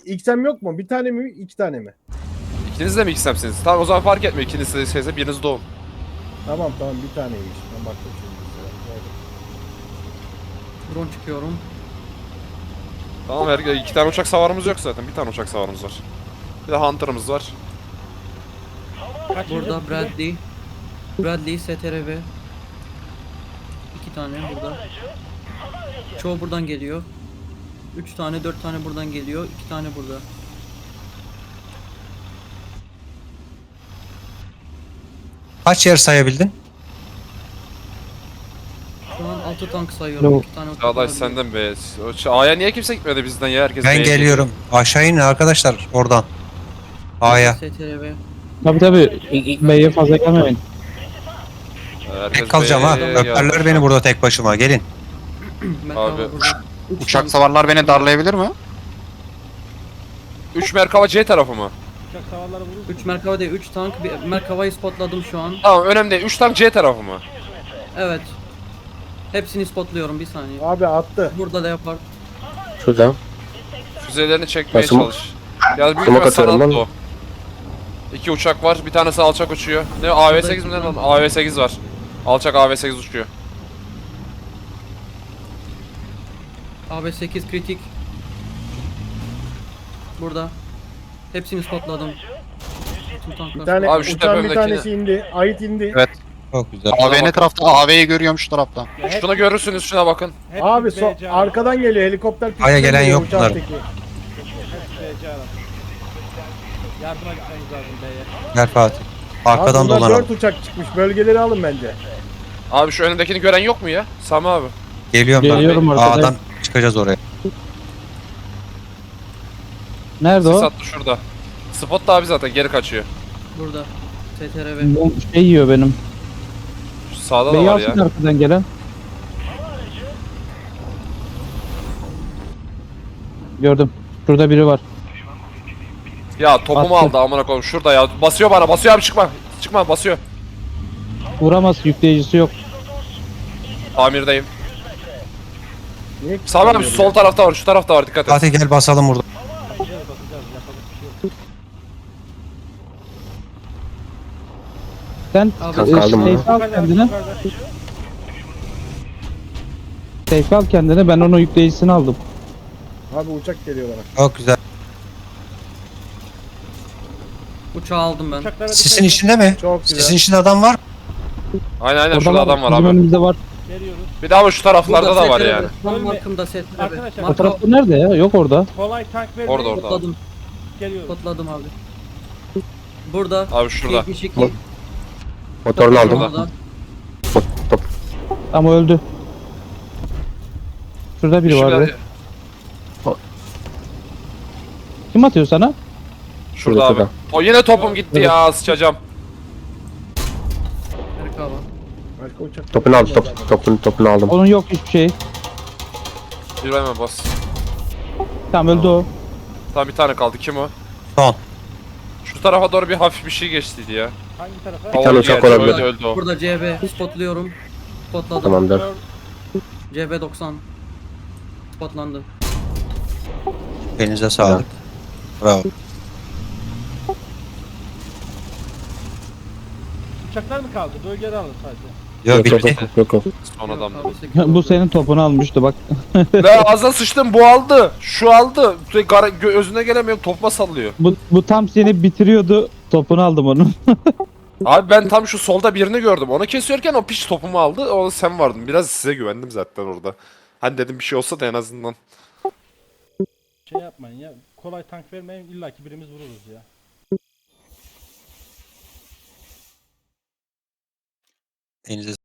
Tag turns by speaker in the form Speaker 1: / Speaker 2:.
Speaker 1: XM yok mu? Bir tane mi? İki tane mi?
Speaker 2: İkiniz de mi XM'siniz? Tamam o zaman fark etmiyor. İkiniz de şeyse biriniz doğun.
Speaker 1: Tamam bir taneymiş. Ben baktım şimdi.
Speaker 3: Drone çıkıyorum.
Speaker 2: Tamam iki tane uçak savarımız yok zaten. Bir tane uçak savarımız var. Bir de Hunter'ımız var.
Speaker 3: Burada Bradley. Bradley, STRV. 2 tane burada. Çoğu buradan geliyor. 3 tane, 4 tane buradan geliyor. 2 tane burada.
Speaker 4: Kaç yer sayabildin?
Speaker 3: Şu an 6 tank sayıyorum.
Speaker 4: Yok.
Speaker 3: 2 tane uçak
Speaker 2: Çağdaş
Speaker 3: var.
Speaker 2: senden be. A'ya niye kimse gitmedi bizden ya? Herkes
Speaker 4: Ben
Speaker 2: B'ye
Speaker 4: geliyorum. Aşağı inin arkadaşlar oradan. A'ya.
Speaker 3: STRV.
Speaker 5: Tabii B'ye fazla gelmeyin.
Speaker 2: geliyor. Herkes
Speaker 4: Tek kalacağım ha.
Speaker 2: B'ye
Speaker 4: Öperler
Speaker 2: gelmiş.
Speaker 4: beni burada tek başıma. Gelin.
Speaker 3: Merkava
Speaker 2: Abi,
Speaker 3: burada. Üç
Speaker 6: Uçak
Speaker 3: tank.
Speaker 6: savarlar beni darlayabilir mi?
Speaker 2: 3 Merkava C tarafı mı?
Speaker 3: 3 Merkava değil, 3 tank. Bir Merkava'yı spotladım şu an.
Speaker 2: Tamam önemli değil. 3 tank C tarafı mı?
Speaker 3: Evet. Hepsini spotluyorum, bir saniye.
Speaker 1: Abi attı.
Speaker 3: Burada da yapar.
Speaker 7: Şurada.
Speaker 2: Füzelerini çekmeye
Speaker 7: Nasıl-
Speaker 2: çalış. Ya büyük
Speaker 7: Smoke
Speaker 2: ihtimal sana
Speaker 7: atıyorum
Speaker 2: attı
Speaker 7: ben.
Speaker 2: o. 2 uçak var. Bir tanesi alçak uçuyor. Ne AV8 mi ne lan? AV8 var. Alçak AV8 uçuyor.
Speaker 3: AB8 kritik. Burada. Hepsini spotladım. Tüm tanklar.
Speaker 1: Bir tane
Speaker 2: Abi şu
Speaker 1: uçağın bir
Speaker 2: tepemdekini-
Speaker 1: tanesi indi. Ait indi.
Speaker 6: Evet.
Speaker 4: Çok güzel.
Speaker 6: AV ne tarafta? AV'yi görüyorum şu tarafta.
Speaker 2: Şunu görürsünüz şuna bakın.
Speaker 1: Abi arkadan geliyor helikopter.
Speaker 4: Aya gelen
Speaker 1: geliyor,
Speaker 4: yok
Speaker 1: uçağın
Speaker 4: bunlar.
Speaker 1: teki.
Speaker 8: Yardıma gitmeniz lazım B'ye.
Speaker 4: Gel Fatih.
Speaker 1: Abi
Speaker 4: Arkadan
Speaker 1: bunlar
Speaker 4: dolanalım.
Speaker 1: 4 uçak çıkmış. Bölgeleri alın bence.
Speaker 2: Abi şu önündekini gören yok mu ya? Sami abi.
Speaker 4: Geliyorum ben.
Speaker 5: Geliyorum arkadan.
Speaker 4: A'dan çıkacağız oraya.
Speaker 5: Nerede
Speaker 2: Sis
Speaker 5: o?
Speaker 2: attı şurada. Spot da abi zaten geri kaçıyor.
Speaker 3: Burada. STRV.
Speaker 5: Bu şey yiyor benim.
Speaker 2: Şu sağda da
Speaker 5: B'yi
Speaker 2: var ya.
Speaker 5: alsın arkadan gelen. Gördüm. Şurada biri var.
Speaker 2: Ya topumu
Speaker 5: Attı.
Speaker 2: aldı amına koyayım şurada ya. Basıyor bana. Basıyor abi çıkma. Çıkma basıyor.
Speaker 5: Vuramaz, yükleyicisi yok.
Speaker 2: Tamirdeyim.
Speaker 1: Niye
Speaker 2: Sami abi şu sol tarafta var. Şu tarafta var. Dikkat et.
Speaker 4: Fatih gel basalım burada.
Speaker 5: Sen
Speaker 3: Abi,
Speaker 7: Kanka aldım mı?
Speaker 5: safe al kendine. Safe al kendine, ben onun yükleyicisini aldım.
Speaker 1: Abi uçak geliyor bana.
Speaker 4: Çok güzel.
Speaker 3: Uçağı aldım ben.
Speaker 4: Sisin içinde mi?
Speaker 1: Çok güzel.
Speaker 4: Sisin içinde adam var.
Speaker 2: Aynen
Speaker 5: Orada
Speaker 2: şurada adam var
Speaker 5: bizim
Speaker 2: abi.
Speaker 5: önümüzde var.
Speaker 2: Bir daha ama şu taraflarda da var
Speaker 3: STRV.
Speaker 2: yani.
Speaker 3: Tam markımda STRV.
Speaker 8: Arkadaşlar,
Speaker 5: O
Speaker 3: Marka
Speaker 5: tarafta nerede ya? Yok orada.
Speaker 8: Kolay tank vermeyin.
Speaker 2: Orada.
Speaker 3: spotladım.
Speaker 8: Geliyoruz.
Speaker 3: Spotladım abi. Burada.
Speaker 2: Abi şurada.
Speaker 3: 72.
Speaker 7: Motorunu aldım.
Speaker 3: Burada.
Speaker 5: Ama öldü. Şurada biri var. be. Kim atıyor sana?
Speaker 2: Şurada abi.
Speaker 7: Şurada.
Speaker 2: O yine topum gitti ya sıçacağım.
Speaker 3: Merkava.
Speaker 1: Başka uçak.
Speaker 7: Topunu aldım. Topunu aldım.
Speaker 5: Onun yok hiçbir şey.
Speaker 2: Bir hemen bas.
Speaker 5: Tamam öldü o.
Speaker 2: Tamam bir tane kaldı. Kim o?
Speaker 4: Son.
Speaker 2: Şu tarafa doğru bir hafif bir şey geçtiydi ya.
Speaker 8: Hangi tarafa?
Speaker 7: Bir tane uçak olabilir.
Speaker 2: Öldü o.
Speaker 3: Burada CB spotluyorum. Spotladım.
Speaker 7: Tamamdır.
Speaker 3: CB 90. Spotlandı.
Speaker 4: Elinize sağlık. Bravo.
Speaker 8: Uçaklar mı kaldı? Bölgeleri alın sadece.
Speaker 4: Yok bitti.
Speaker 7: Yok.
Speaker 2: Son adam.
Speaker 5: Bu senin topunu almıştı bak.
Speaker 2: La ağzına sıçtım bu aldı. Şu aldı. Özüne gelemiyorum topma sallıyor.
Speaker 5: Bu tam seni bitiriyordu. Topunu aldım onun.
Speaker 2: Abi ben tam şu solda birini gördüm. Onu kesiyorken o piç topumu aldı. O sen vardın. Biraz size güvendim zaten orada. Hani dedim bir şey olsa da en azından.
Speaker 8: Şey yapmayın ya. Kolay tank vermeyin. İlla ki birimiz vururuz ya.
Speaker 4: Elinize